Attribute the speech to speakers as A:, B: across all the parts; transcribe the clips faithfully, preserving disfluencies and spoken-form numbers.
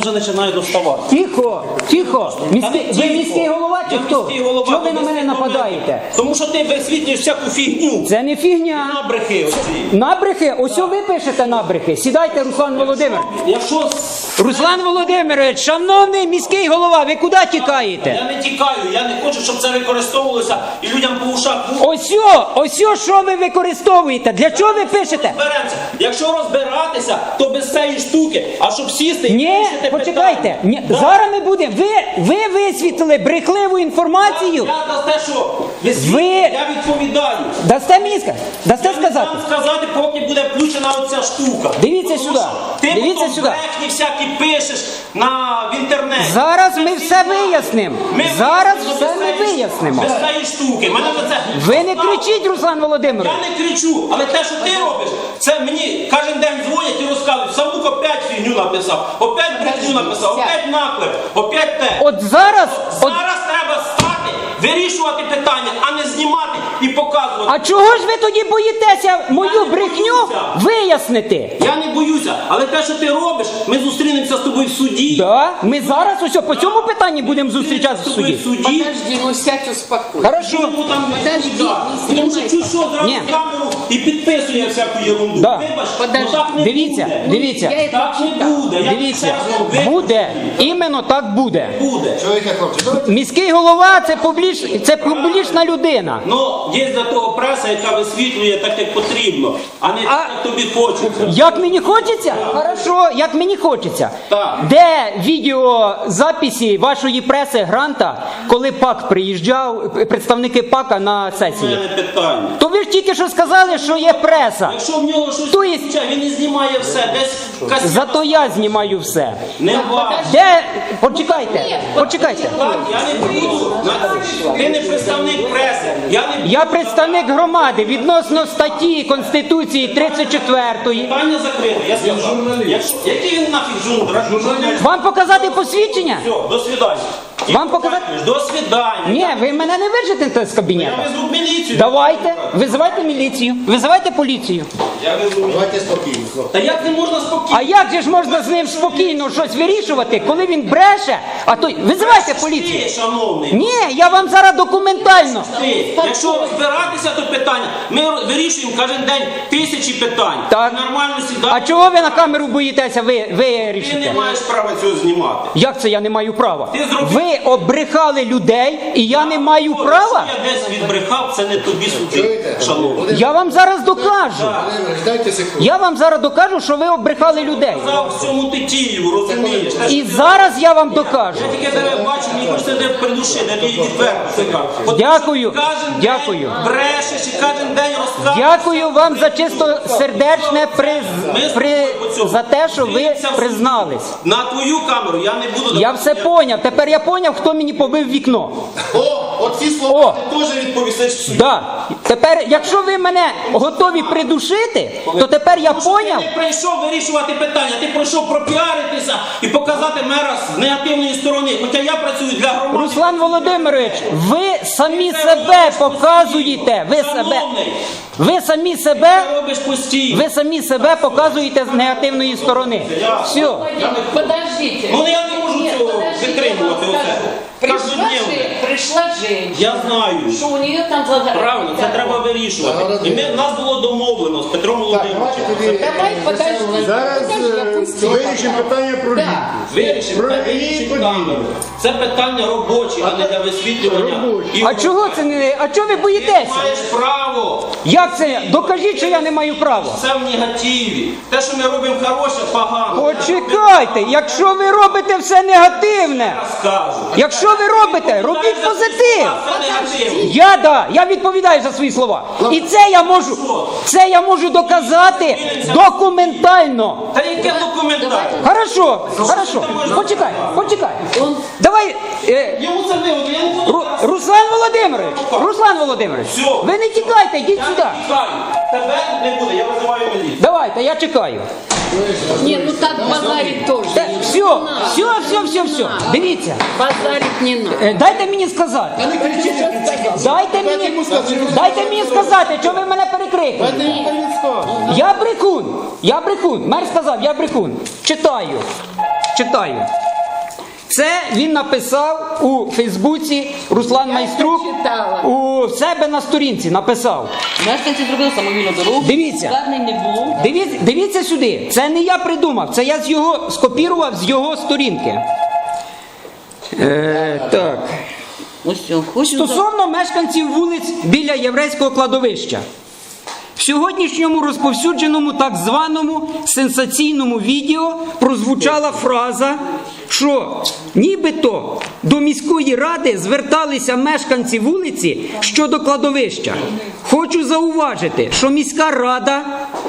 A: вже починає доставати.
B: Тихо, тихо. Міський, ви
A: тихо.
B: міський голова чи
A: Я
B: хто?
A: міський голова,
B: Чого ви
A: то
B: на мене
A: висвітлюєте.
B: нападаєте?
A: Тому що ти висвітлюєш всяку фігню.
B: Це не фігня.
A: Набрехи оці.
B: Набрехи? Ось ви пишете набрехи. Сідайте, Руслан Володимирович.
A: Якщо...
B: Руслан Володимирович, шановний міський голова, ви куди тікаєте?
A: Я не тікаю, я не хочу, щоб це використовувалося і людям по ушах.
B: Ось о, ось о, що ви використовуєте? Для чого ви пишете?
A: Розберемося. Якщо розбиратися, то без цієї штуки, а щоб сісти і
B: Ні,
A: вирішити
B: почекайте.
A: питання.
B: Ні,
A: Да.
B: зараз ми будемо. Ви, ви висвітлили брехливу інформацію.
A: Я за те, що висвітлюю,
B: Ви-
A: я відповідаю.
B: Дасте мені сказати? Дасте
A: Я не
B: сказати?
A: дам сказати, поки буде включена оця штука.
B: Дивіться
A: Тому
B: сюди.
A: що Ти
B: Дивіться
A: потім
B: сюди.
A: брехні всякі пишеш на, в інтернеті.
B: Зараз
A: Це
B: ми
A: всі
B: все
A: знають.
B: вияснимо.
A: Ми
B: Зараз
A: вияснимо
B: все
A: без
B: ми
A: цієї-
B: вияснимо.
A: Без цієї штуки. Мене за це...
B: Ви не кричіть, Руслан Володимирович.
A: Я не кричу, але те, що ти робиш, це мені кожен день дзвонять і розказують, Савук опять фігню написав, опять брехню написав, опять наклеп, опять те.
B: От зараз, от,
A: Зараз треба стати, вирішувати питання, а не знімати і показувати.
B: а чого ж ви тоді боїтеся мою брехню вияснити?
A: Я не боюся, але те, що ти робиш, ми зустрінемося з тобою в суді.
B: Да? Ми зараз ось по цьому питанні будемо зустрічатися в
A: З тобою в
B: суді.
A: суді.
C: Подожди, ну сядь, успокойся.
B: Хорошо.
A: Чому там не
C: Подожди,
A: відповідає?
C: не
A: Тому що
C: знімай.
A: чуть що зразу
B: Ні.
A: камеру і підписує всяку ерунду.
B: Да.
A: Вибач,
C: Подожди.
A: ну так не
B: Дивіться,
A: буде.
B: дивіться.
C: Я
A: Так не буде. Я
B: Дивіться,
A: ще раз говорю, ви-
B: буде, іменно так буде.
A: Буде.
D: Чоловіка, хлопці, давайте.
B: Міський голова це публіч, це публічна людина.
A: Ну, є для того преса, яка висвітлює так, як потрібно, а не так, як тобі хочеться.
B: Як мені хочеться? Хорошо, як мені хочеться.
A: Так.
B: Де відеозаписи вашої преси Гранта, коли ПАК приїжджав, представники ПАКа на
A: Це
B: сесії?
A: не питання.
B: То ви ж тільки що сказали, що є преса.
A: Якщо в нього щось
B: То є-
A: включає, він не знімає все, десь касет.
B: Зато я знімаю все.
A: Не важко.
B: Де? Почекайте, почекайте.
A: Так, я не буду. Ти не представник преси. Я не
B: Я представник громади відносно статті Конституції тридцять четвертої.
A: Питання закрите, я сказав. Якщо... Який він нафіг журналіст?
B: Вам показати посвідчення?
A: Все, до свидання.
B: Вам показати?
A: До свидання.
B: Ні, ви мене не вижите з
A: Я
B: кабінету.
A: везу в міліцію.
B: Давайте, визивайте міліцію, визивайте поліцію.
A: Я везу.
D: Давайте спокійно, хлопці.
A: Та як не можна спокійно?
B: А як же ж можна з ним спокійно щось вирішувати, коли він бреше? А то визивайте поліцію.
A: Ти, шановний.
B: Ні, я вам зараз документально.
A: Ти, якщо розбиратися до питання, ми вирішуємо кожен день тисячі питань.
B: Так.
A: Нормально
B: А
A: сідаємо.
B: чого ви на камеру боїтеся ви,
A: Ти не
B: вирішити?
A: маєш права цього знімати.
B: Як це я не маю права?
A: Ти зробив-
B: Ви обрехали людей і я не маю
A: Якщо
B: права?
A: я десь відбрехав, це не тобі судити,
D: Чуєте?
A: шановний.
B: Я вам зараз докажу.
D: Володимирович, дайте секунду.
B: Я вам зараз докажу, що ви обрехали людей.
A: Казав в цьому ти Києву, розумієш? Те,
B: І
A: що ти-
B: зараз я вам докажу.
A: Я тільки тебе бачу, мені хочеться тебе придушити, я тобі відверто це кажу. От
B: Дякую,
A: ти Кожен
B: дякую.
A: день брешеш і кожен день розказуєш.
B: Дякую вам за чисто сердечне приз... при... за те, що ви признались.
A: На твою камеру я не буду...
B: Я все поняв. Тепер я поняв, хто мені побив вікно.
D: О, оці
B: О.
D: слова ти теж відповісиш в суді.
B: Да. Тепер, якщо ви мене готові придушити, то тепер я поняв.
A: Ти не прийшов вирішувати питання, ти прийшов пропіаритися і показати мера з негативної сторони. Хоча я працюю для громади.
B: Руслан Володимирович, ви самі себе показуєте. Ви себе,
A: Шановний,
B: ви самі себе,
A: ти робиш постійно.
B: ви самі себе показуєте з негативної сторони. Все.
C: Подождите.
A: Ну я не можу
C: Нет,
A: цього
C: подождите,
A: витримувати
C: вот
A: оце.
C: скажу. Пришла,
A: Каждодневно.
C: же, пришла женщина,
A: Я знаю.
C: что у нее там загорелось.
A: Правильно, це треба вирішувати. І ми, нас було домовлено з Петром
D: Так, давайте
A: Володимировичем.
D: тоді.
C: Давай, подожди.
E: Зараз
C: Подожди, я
E: е,
C: пустила.
E: вирішимо питання про
C: Да.
E: ліки.
A: Вирішимо,
E: Про
A: це
E: її
A: вирішить
E: події.
A: камеру. Це питання робочі, а не для висвітлювання.
E: Робочі.
A: І
B: А чого це не. А чого ви
A: ти
B: боїтеся?
A: маєш право.
B: Як це? Докажіть, що я не маю права.
A: Це в негативі. Те, що ми робимо хороше, погано.
B: Почекайте, якщо ви робите все негативне,
A: Скажу.
B: якщо ви робите, робіть позитив.
A: Це негатив.
B: Я да, я відповідаю за свої слова. І це я можу, це я можу доказати документально.
A: Та яке документарне?
B: Хорошо, хорошо. Почекай, почекай. Давай, е,
A: Йому це вигодно, я не буду
B: Ру-
A: зараз.
B: Руслан Володимирович, Руслан Володимирович,
A: Всьо.
B: ви не тікайте, йдіть
A: Я
B: сюди.
A: не тікаю. Тебе не буде, я визиваю міліцію.
B: Давайте, я чекаю.
C: Нет, ну так базарить тоже.
B: Та,
C: не
B: все,
C: надо.
B: все, все, все, все. Дивіться,
C: Базарить не надо.
B: е, дайте мені сказати. Дайте мені, дайте мені сказати, що ви мене перекрикуєте. Я брехун, я брехун. Мер сказав, я брехун. Читаю. читаю. Це він написав у Фейсбуці, Руслан
C: Я
B: Майструк,
C: прочитала.
B: у себе на сторінці написав.
E: Мешканці зробили самовільну дорогу.
B: Дивіться.
E: Звернень не було.
B: Дивіться, дивіться сюди, це не я придумав, це я з його скопірував з його сторінки. Е, так.
E: Ось що, хочу за-
B: Стосовно мешканців вулиць біля єврейського кладовища. В сьогоднішньому розповсюдженому так званому сенсаційному відео прозвучала фраза, що нібито до міської ради зверталися мешканці вулиці щодо кладовища. Хочу зауважити, що міська рада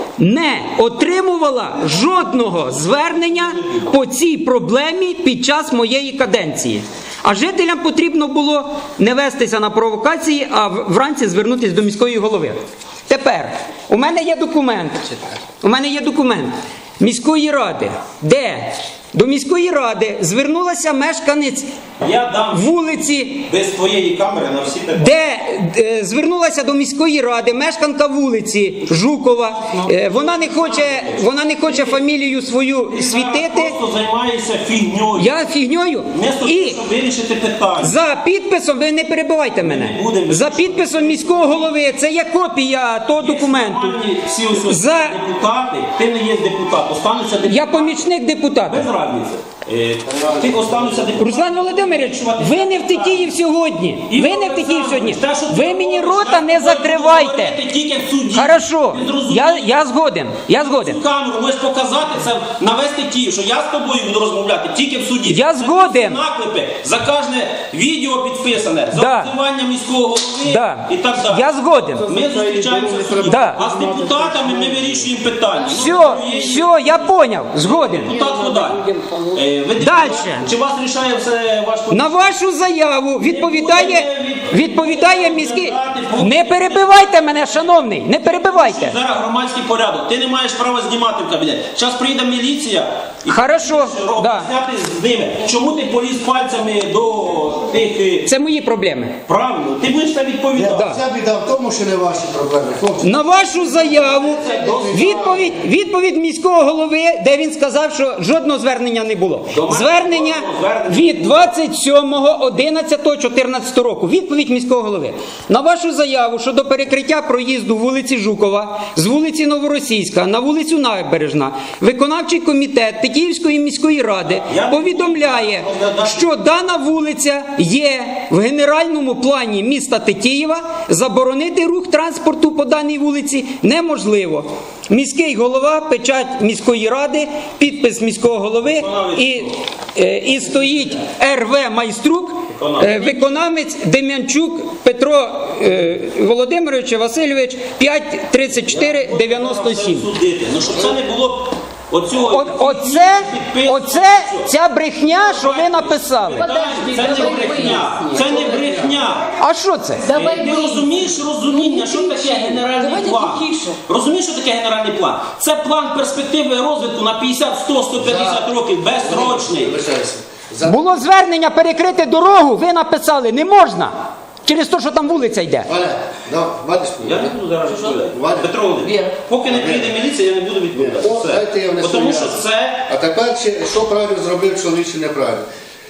B: не отримувала жодного звернення по цій проблемі під час моєї каденції. А жителям потрібно було не вестися на провокації, а в- вранці звернутися до міської голови. Тепер, у мене є документ, у мене є документ міської ради, де до міської ради звернулася мешканець
A: Я дам
B: вулиці,
A: без твоєї камери на всі питання.
B: де е, звернулася до міської ради мешканка вулиці Жукова. Е, вона не хоче, вона не хоче фамілію свою
A: Ти зараз
B: світити.
A: просто займаєшся фігньою.
B: Я фігньою.
A: Вместо того,
B: І
A: щоб вирішити питання.
B: за підписом, ви не перебивайте мене.
A: не будемо.
B: За підписом міського голови, це є копія того документу.
A: Нормальні всі ось
B: За-
A: депутати, ти не є депутат, остануться депутати.
B: Я помічник депутата.
A: Без разниці. Е, Ти остануться депутати.
B: Руслан Володимирович, ви не в Тетіїв сьогодні.
A: І
B: Ви не в Тетіїв сьогодні.
A: те, що ти
B: Ви мені
A: говориш,
B: рота
A: я
B: не
A: тобою буду
B: закривайте.
A: говорити тільки в суді.
B: Хорошо,
A: Ти зрозумів?
B: я, я згоден. Я згоден.
A: Цю камеру можеш показати це на весь Тетіїв, що я з тобою буду розмовляти тільки в суді.
B: Я
A: Це
B: згоден.
A: Наклепи, за кожне відео підписане, за
B: Да.
A: обзивання міського голови
B: Да.
A: і так далі.
B: Я згоден.
A: Ми зустрічаємося в суді.
B: Да.
A: А з депутатами ми вирішуємо питання.
B: Все, все, я поняв. Згоден.
A: Депутат Ходай. Е, ви депутат?
B: Дальше.
A: Чи вас рішає все ваш
B: На вашу заяву відповідає, відповідає міський... Не перебивайте мене, шановний, не перебивайте.
A: Зараз громадський порядок. Ти не маєш права знімати в кабінет. Зараз прийде міліція і
B: Хорошо, да.
A: зняти з ними. Чому ти поліз пальцями до тих е,
B: Це мої проблеми.
A: правильно? Ти будеш це відповідати.
B: Да.
D: Ця біда в тому, що не ваші проблеми, хлопці.
B: На вашу заяву відповідь, відповідь міського голови, де він сказав, що жодного звернення не було. Звернення від двадцять сьомого одинадцятого чотирнадцятого року. Відповідь міського голови. На вашу заяву щодо перекриття проїзду вулиці Жукова з вулиці Новоросійська на вулицю Набережна, виконавчий комітет Тетіївської міської ради повідомляє, що дана вулиця є в генеральному плані міста Тетіїва, заборонити рух транспорту по даній вулиці неможливо. Міський голова, печать міської ради, підпис міського голови і, е, і стоїть Р В Майструк, е, виконавець Дем'янчук Петро е, Володимирович Васильович п'ять тридцять чотири дев'яносто сім.
A: Судити. Ну, щоб це не було оцього...
B: От, оце, оце ця брехня, що ви написали.
C: Подожди,
A: Це не
C: давай
A: брехня.
C: выясним.
A: Це не брехня.
B: А що це?
C: Давай
A: Ти
C: выясним.
A: розумієш розуміння, що таке генеральний
C: Давайте
A: план?
C: тихіше.
A: Розумієш, що таке генеральний план? Це план перспективи розвитку на п'ятдесят, сто, сто п'ятдесят років, безсрочний.
D: Вибачайся. За-
B: Було звернення перекрити дорогу, ви написали, не можна. Через те, що там вулиця йде.
D: Валя, да, Вадишку.
A: Я не буду зараз відповідати.
D: Валя.
A: Петро Володимирович,
E: Віра.
A: поки не прийде міліція, я не буду відповідати.
D: О,
A: Все.
D: дайте я внесу
A: Бо Тому що
D: ясно.
A: це...
D: А тепер ще, що правильно зробив чоловік, чи неправильно.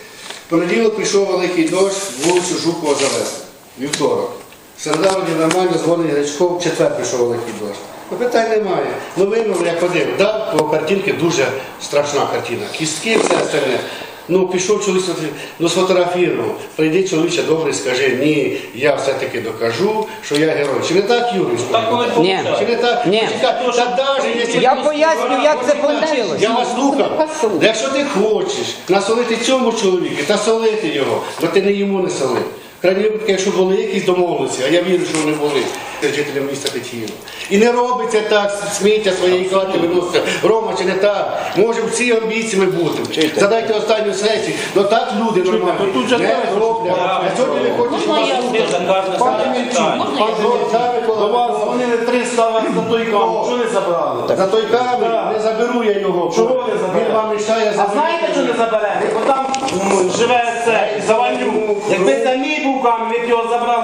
D: В понеділок прийшов великий дощ, вулицю Жукова завести. Вівторок. Середа вроді нормально, дзвонить Гречков, в четвер прийшов великий дощ. Ну, питань немає. Ну видно, як ходив. Да, по картинці дуже страшна картина. Кістки, все остальне. Ну, пішов чоловік, ну сфотографував. Прийди, чоловіче, добре, скажи, ні, я все-таки докажу, що я герой. Чи не так, Юрій?
A: Так коли
B: Ні.
D: Чи не так?
B: Ні.
D: Почекай, та даже, якщо
B: Я
D: ти-
B: поясню, як це вийшло.
D: Я вас слухав. Якщо ти хочеш насолити цьому чоловіку, та солити його, бо ти не йому не солив. В крайній випадку, якщо були якісь домовленості, а я вірю, що вони були з жителям міста Тетіїва. І не робиться так, сміття своєї хати виноситься. Рома, чи не так? Може, всі амбіціями бути. Задайте останню сесію. Ну так люди нормально не роблять. А сьогодні не хочеш
C: Можна я
A: Ти за кожне своє питання.
F: До вас дзвонили триста раз за той камінь. Що не забрали?
D: За той камінь не заберу я його.
F: Чого не заберете?
D: Він вам мішає
F: А
D: заберу.
F: знаєте, що не заберете? Бо там м, живе це Завалюк. Якби це мій був камінь, ви б його забрали швидко.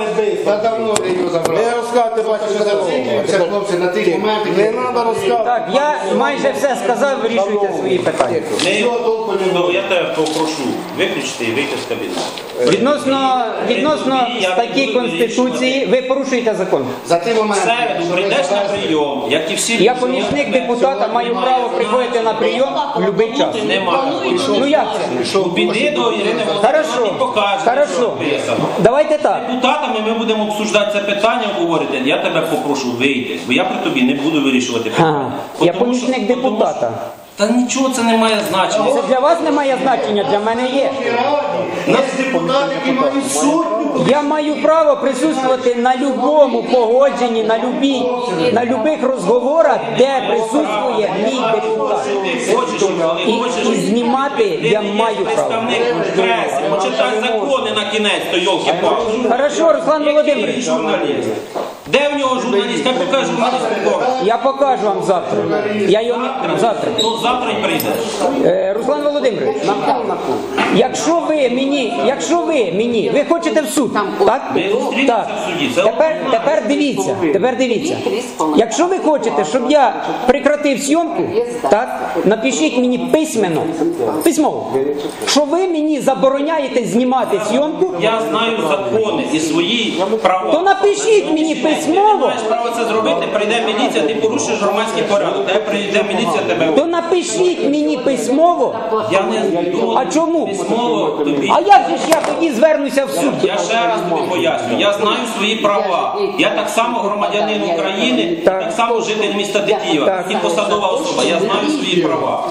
D: Та давно вже його забрали.
F: Не розказуйте, бачите,
D: Що зациклюємося, хлопці, на тих моментах.
F: Не треба розказувати.
B: Так, я майже все сказав, вирішуйте свої питання.
A: Не,
D: Всього толку не
A: ну,
D: було.
A: я тебе попрошу виключити і вийти з кабінету.
B: Відносно, відносно статті Конституції, ви порушуєте закон.
D: За ті
A: В
D: моменти,
A: середу
D: що ви
A: прийдеш на
D: завезли,
A: прийом, як і всі
B: Я
A: люди.
B: помічник депутата, маю право приходити на прийом в будь-який час.
A: Нема такого.
B: Ну як це?
A: Ну, піди до Ірини Володимирівни
B: Хорошо,
A: і покажеш, що
B: хорошо.
A: написано.
B: Давайте так.
A: Депутатами ми будемо обсуждати це питання, обговорити. Я тебе попрошу вийти, бо я при тобі не буду вирішувати питання.
B: А, я
A: Тому що-
B: помічник
A: тому що-
B: депутата.
A: Та нічого це не має значення.
B: Це для вас не має значення, для мене є.
D: Є депутати, які мають сотню.
B: Я маю право присутствувати на любому погодженні, на любій, на любих розговорах, де присутствує мій депутат.
A: Ти хочеш, але
B: І,
A: хочеш.
B: і знімати
A: Ти
B: я
A: не є
B: маю право.
A: представник преси, почитай закони на кінець, то йолки-палки.
B: Хорошо, Руслан Володимирович,
A: Журналіст. Де в нього журналіст? Хай покаже журналістську корпус.
B: я покажу вам завтра. Я його не- завтра.
A: Ну завтра й прийде.
B: Е, Руслан Володимирович, якщо ви мені, якщо ви мені, ви хочете в суд, так?
A: Ми зустрінемося
B: Так.
A: в суді. Це
B: Тепер, тепер дивіться, тепер дивіться. Якщо ви хочете, щоб я прекратив зйомку, так, напишіть мені письменно, письмово, що ви мені забороняєте знімати зйомку,
A: Я знаю закони і свої права.
B: то напишіть мені
A: Ти не
B: письмово,
A: маєш права це зробити, прийде міліція, ти порушиш громадський порядок. Де прийде міліція, тебе.
B: то напишіть мені письмово.
A: Я не
B: А чому?
A: письмово тобі.
B: А як же ж я тоді звернуся в суд?
A: Я ще раз тобі поясню. Я знаю свої права. Я так само громадянин України,
B: Так.
A: так само житель міста Тетіїва,
B: Так.
A: і посадова особа. Я знаю свої права.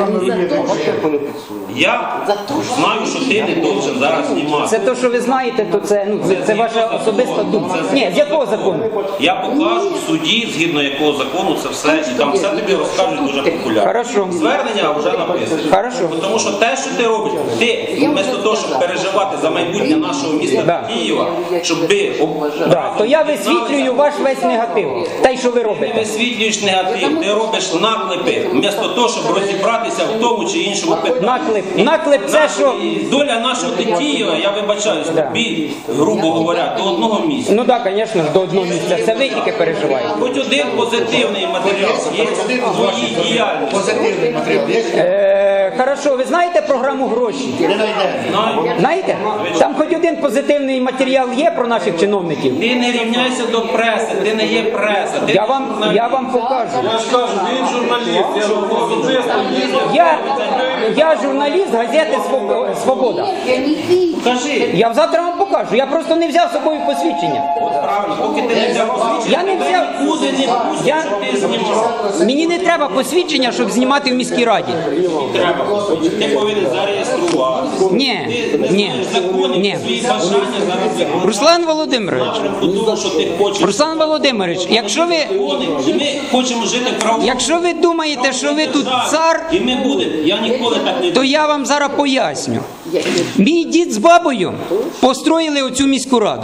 A: Я знаю, що ти не должен зараз знімати.
B: Це те, що ви знаєте, то це, ну, це, це ваша особиста думка. Ні, з якого закону?
A: Я покажу в суді, згідно якого закону це все, і там все тобі розкажуть дуже популярно.
B: Хорошо.
A: Звернення вже написано.
B: Хорошо.
A: Тому що те, що ти робиш, ти вместо того, щоб переживати за майбутнє нашого міста
B: Да.
A: Києва, щоб ви
B: Да, то я висвітлюю ваш весь негатив. Те, що ви
A: Ти
B: робите.
A: висвітлюєш негатив, ти робиш наклепи, вместо того, щоб розібратися в тому чи іншому питанні.
B: Наклеп. Наклеп це що.
A: І доля нашого Тетіїва, я вибачаюсь,
B: Да.
A: тобі, грубо говоря, до одного місця.
B: Ну так, звісно, до одного місця. Це ви тільки переживаєте.
A: Хоч один позитивний матеріал є в твоїй діяльності.
D: Позитивний матеріал. Є?
B: Е, хорошо, ви знаєте програму гроші?
D: Не знайде.
A: Знаю.
B: Знаєте? Там хоч один позитивний матеріал є про наших чиновників.
A: Ти не рівняйся до преси, ти не є преса. Ти
B: Я вам, я вам покажу.
F: Я ж кажу, він журналіст, я журналіст.
B: Я, я журналіст газети «Своб- Свобода.
A: Кажи.
B: Я завтра вам покажу. Я просто не взяв з собою посвідчення.
A: От правильно, поки ти не взяв посвідчення,
B: Я не
A: тебе
B: взяв.
A: нікуди не пустять,
B: Я-
A: щоб ти знімав.
B: Мені не треба посвідчення, щоб знімати в міській раді.
A: Треба. Ти повинен зареєструвати.
B: Ні,
A: Ти не
B: ні,
A: знаєш законів,
B: ні.
A: свої бажання зараз виконувати.
B: Руслан Володимирович,
A: Напрямку того, що ти хочеш.
B: Руслан Володимирович, якщо ви,
A: Закони, і ми хочемо жити в правовому
B: якщо ви думаєте, що ви тут
A: державі.
B: цар,
A: І ми будемо. Я ніколи так не
B: то я вам зараз поясню. Мій дід з бабою построїли оцю міську раду.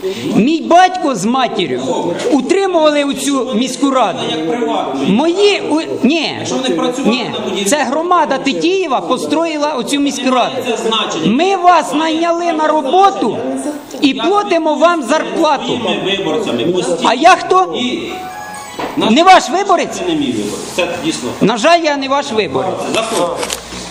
B: Мій батько з матір'ю утримували оцю міську раду.
A: як приватно.
B: Мої у- ні,
A: вони працювали
B: ні,
A: на будівлі.
B: це громада Тетіїва построїла оцю міську раду.
A: Це значення.
B: Ми вас найняли на роботу і платимо вам зарплату.
A: Своїми виборцями постійно.
B: А я хто?
A: І наш-
B: Не ваш виборець?
A: Це не мій виборець. Це дійсно.
B: На жаль, я не ваш виборець.
A: Заходьте.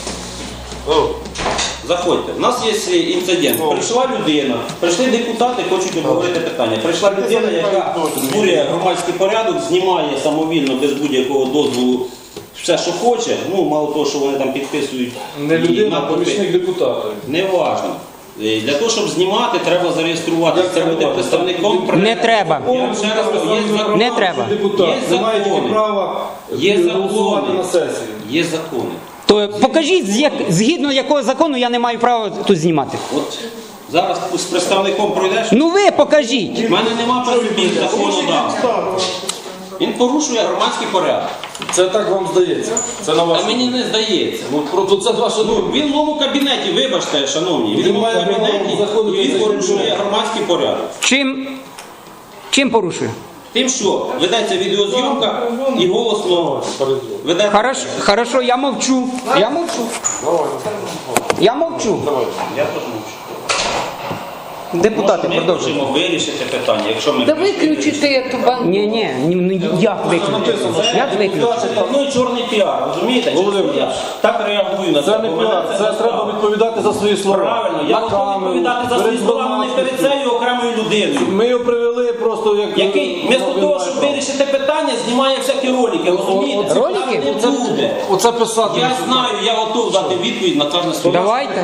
A: Заходьте. У нас є інцидент. Прийшла людина, прийшли депутати, хочуть обговорити питання. Прийшла людина, яка збурює громадський порядок, знімає самовільно, без будь-якого дозволу все, що хоче. Ну, мало того, що вони там підписують.
F: Не
A: її
F: людина, а
A: на попит.
F: помічник депутата.
A: Не важно. Е, Для того, щоб знімати, треба зареєструватися. Це буде представником
B: Не треба.
A: Я вам ще раз кажу, є закони.
B: Не треба.
F: Депутат
A: Є
F: не має тільки
A: закони.
F: права
A: Є
F: голосувати
A: закони.
F: на сесії.
A: Є закони.
B: То покажіть, з як- згідно якого закону я не маю права тут знімати.
A: От зараз з представником пройдеш.
B: Ну ви покажіть.
A: У мене нема працюбів законодавства. Він порушує громадський порядок.
F: Це так вам здається. Це на вас.
A: А мені не здається.
F: Ну, просто це ваша
A: Ну,
F: думка.
A: він в моєму кабінеті, вибачте, шановні, він в
F: Він
A: моєму
F: має право
A: кабінеті,
F: заходити
A: і він
F: за
A: порушує
F: кабінет.
A: громадський порядок.
B: Чим, чим порушую?
A: Тим, що ведеться відеозйомка і голосно ведеться.
B: Хорошо, хорошо, я мовчу. Я мовчу. Я мовчу.
A: Я теж мовчу.
B: Депутати,
A: Може, ми
B: продовжуйте.
A: хочемо вирішити питання, якщо ми...
C: Да выключите эту банку.
B: Ні, ні, ну як виключити? Як виключити?
A: Це ну, і чорний піар, розумієте?
F: Володимир,
A: Я так реагую на це.
F: Це не
A: бо мене
F: піар, це
A: достало.
F: треба відповідати за свої слова.
A: Правильно, я
F: На
A: готовий
F: камеру,
A: відповідати за свої
F: перед
A: слова, але не перед
F: громадськістю.
A: цією окремою людиною.
F: Ми його привели просто як...
A: Який вмісто того, щоб вирішити питання, знімає всякі ролики, розумієте?
B: Ролики?
A: Так не буде.
F: Оце писати.
A: Я знаю, я готов дати відповідь на кожне слово.
B: Давайте.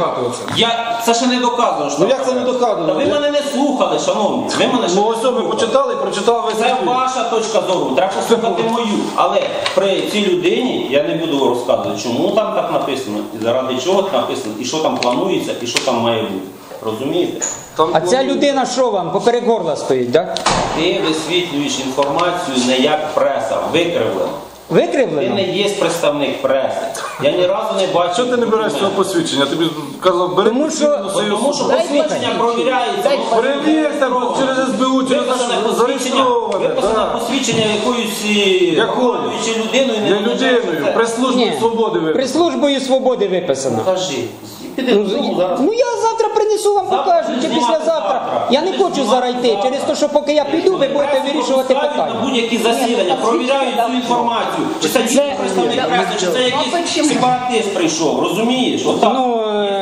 A: Я, це ще не доказано. що-
F: Ну як це не доказано?
A: Та ви мене не слухали, шановні. Ви мене ще
F: Ну
A: не
F: ось ви
A: слухали.
F: почитали і прочитали весь
A: Це
F: світ.
A: ваша точка зору, треба послухати мою. Але при цій людині я не буду розказувати, чому там так написано, і заради чого так написано, і що там планується, і що там має бути. Розумієте?
F: Там
B: А ця людина що вам? Поперек горла стоїть, так?
A: Ти висвітлюєш інформацію не як преса, викривлено. Ти
B: Викривлено?
A: не є представник преси. Я ні разу не бачив.
F: Що ти не береш цього посвідчення? Я тобі казав, бери
B: Тому що-
F: посвідчення, носи його
A: Тому
F: з
A: що
F: собою.
A: посвідчення провіряється. воно
F: Перевірте через ес бе у, через
A: Виписане посвідчення,
F: зареєстроване.
A: виписане
F: так.
A: посвідчення якоюсь
F: Якою?
A: головуючою людиною.
F: Не людиною, прес-службою
B: Ні.
F: свободи ви.
B: При службою свободи виписано.
A: Покажи. Піди
B: Ну,
A: додому зараз.
B: ну я завтра принесу вам,
A: Завтра
B: покажу, чи
A: знімати
B: післязавтра.
A: завтра.
B: Я не хочу зараз йти, через те, що поки я піду, ви будете вирішувати
A: На
B: питання.
A: будь-які засідання, провіряють цю інформацію. Чи це дійсно представник преси, чи це якийсь сепаратист прийшов, розумієш? Отак.
B: Ну,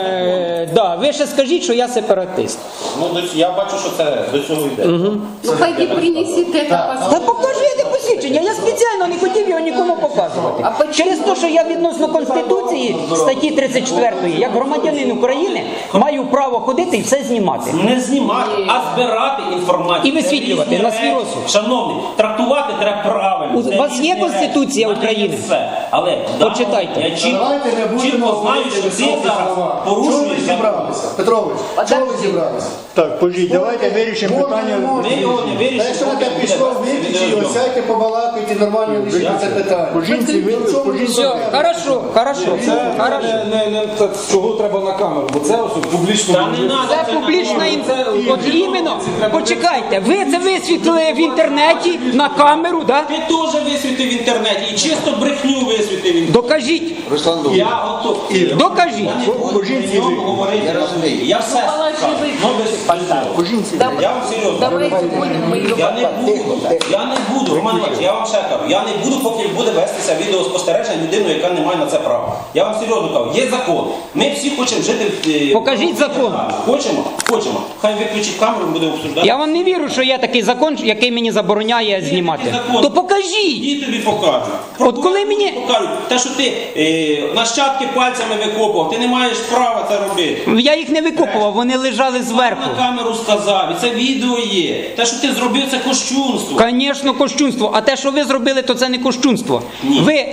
B: е, да, ви ще скажіть, що я сепаратист.
A: Ну, до- я бачу, що це до цього йде.
C: Ну пойди принесите это
B: Та
C: посмотрите.
B: покажи посвідчення, я спеціально не хотів його нікому показувати. Через те, що я відносно Конституції статті тридцять четвертої, як громадянин України, маю право ходити і все знімати.
A: Не знімати, а збирати інформацію.
B: І висвітлювати
A: Це різні
B: на свій
A: речі.
B: розсуд.
A: Шановний, трактувати треба правильно.
B: У
A: Це
B: вас
A: різні
B: є
A: речі.
B: Конституція
A: У мене є
B: України?
A: все. Але да,
B: Почитайте.
A: я чітко,
D: Давайте не будемо
A: чітко знаю,
D: говорити
A: що ти
D: високі
A: зараз
D: слова. Чого ви
A: порушуєш закон.
D: зібралися? Петрович, чого ви зібралися?
G: Так, пожіть, давайте вирішимо
D: Можна,
G: питання.
D: не можна.
A: Ми його не вирішимо,
D: Та якщо ви
A: поки
D: так
A: буде
D: пішло,
A: вести
D: виключіть його,
A: відеозйомку.
D: сядьте, побалакайте, нормально вирішити це питання.
G: По жінці ви
D: В чому
G: по жінці.
B: Все, хорошо, хорошо,
F: Це
B: хорошо.
F: не, не, не так, чого треба на камеру, бо це ось публічно.
A: Та не надо,
B: Це публічна інформація. От іменно, почекайте, ви це висвітлили в інтернеті на камеру, да?
A: Ти теж висвітив в інтернеті і чисто брехню висвітив в інтернеті.
B: Докажіть,
A: Я готовий.
B: докажіть.
A: Я не буду при ньому говорити. Я розумію. Я все скажу. Ну, без питань. Я вам серйозно.
C: Давайте будем мы ее
A: Я не буду, я не буду, Роман Іванович, я вам ще кажу, я не буду, поки буде вестися відеоспостереження людиною, яка не має на це права. Я вам серйозно кажу, є закон. Ми всі хочемо жити в... е,
B: Покажіть закон.
A: Хочемо? Хочемо. Хай виключить камеру, ми будемо обсуждати.
B: Я вам не вірю, що є такий закон, який мені забороняє знімати.
A: такий закон.
B: То покажіть.
A: І тобі покажу.
B: От коли мені-
A: Покажуть. Те, що ти е, нащадки пальцями викопував, ти не маєш права це робити.
B: Я їх не викопував, вони лежали зверху.
A: На камеру сказав, і це відео є. Те, що ти зробив, це кощунство.
B: Звісно, кощунство. А те, що ви зробили, то це не кощунство.
A: Ні.
B: Ви,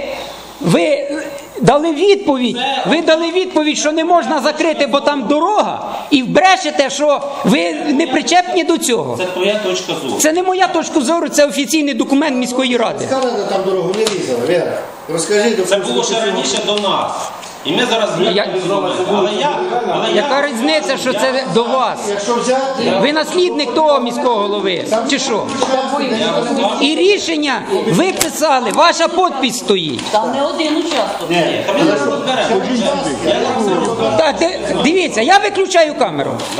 B: ви дали відповідь.
A: Це-
B: Ви дали відповідь, що не можна закрити, бо там дорога, і брешете, що ви не причепні до цього.
A: Це твоя точка зору.
B: Це не моя точка зору, це офіційний документ міської ради.
D: Скажете, там дорогу не різали, Вера. Розкажіть,
A: Це було ще раніше до нас. І ми зараз
B: Я-
A: змінюємо. Але я, але я,
B: Яка різниця, що це до вас?
D: Якщо взяти...
B: Ви наслідник того міського голови, чи що? І рішення ви писали, ваша підпись стоїть.
E: Там не один участок.
A: Та ми зараз розберемо. Я зараз все розберу.
B: Так, ди- дивіться, я виключаю камеру.